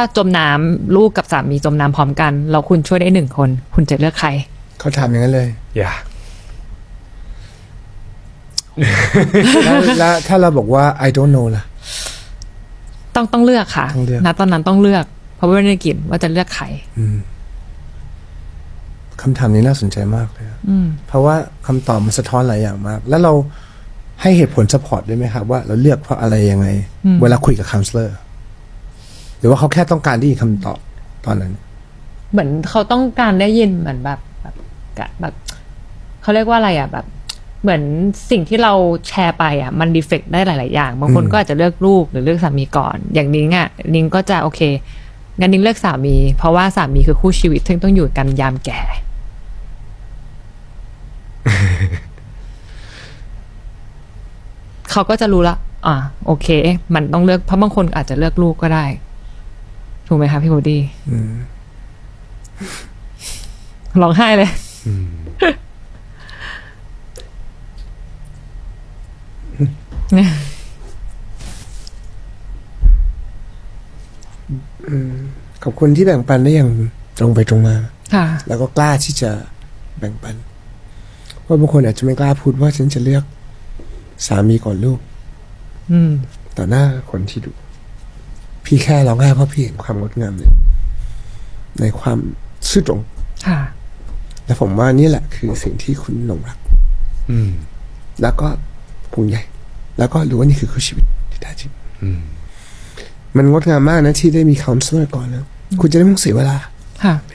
จมน้ำลูกกับสามีจมน้ำพร้อมกันแล้วคุณช่วยได้1 คนคุณจะเลือกใครเขาถามอย่างนั้นเลยอย่าแล้วถ้าเราบอกว่า I don't know ล่ะต้องเลือกค่ะต้องเลือกณตอนนั้นต้องเลือกเพราะว่าไม่ได้กินว่าจะเลือกใครคำถามนี้น่าสนใจมากเลยเพราะว่าคำตอบมันสะท้อนหลายอย่างมาก แล้วเราให้เหตุผลซัพพอร์ตได้ไหมครับว่าเราเลือกเพราะอะไรยังไง เวลาคุยกับคัลเลอร์หรือว่าเขาแค่ต้องการได้ยินคำตอบตอนนั้นเหมือนเขาต้องการได้ยินเหมือนแบบเขาเรียกว่าอะไรอ่ะแบบเหมือนสิ่งที่เราแชร์ไปอ่ะมันดีเฟกต์ได้หลายๆอย่างบางคนก็อาจจะเลือกลูกหรือเลือกสามีก่อนอย่างนิ้งอ่ะนิ้งก็จะโอเคงั้นนิ้งเลือกสามีเพราะว่าสามีคือคู่ชีวิตซึ่งต้องอยู่กันยามแก่ เขาก็จะรู้ละโอเคมันต้องเลือกเพราะบางคนอาจจะเลือกลูกก็ได้ถูกไหมคะพี่โบดี้ร้องไห้เลยขอบคุณที่แบ่งปันได้อย่างตรงไปตรงมาค่ะแล้วก็กล้าที่จะแบ่งปันเพราะบางคนอาจจะไม่กล้าพูดว่าฉันจะเลือกสามีก่อนลูกต่อหน้าคนที่ดูพี่แค่ร้องไห้เพราะพี่เห็นความงดงามในความซื่อตรงค่ะและผมว่านี่แหละคือสิ่งที่คุณหลงรักแล้วก็ภูมิใจแล้วก็รู้ว่านี่คือคู่ชีวิตที่แท้จริงมันงดงามมากนะที่ได้มีคัลเลอร์ก่อนนะคุณจะได้ไม่ต้องเสียเวลาค่ะ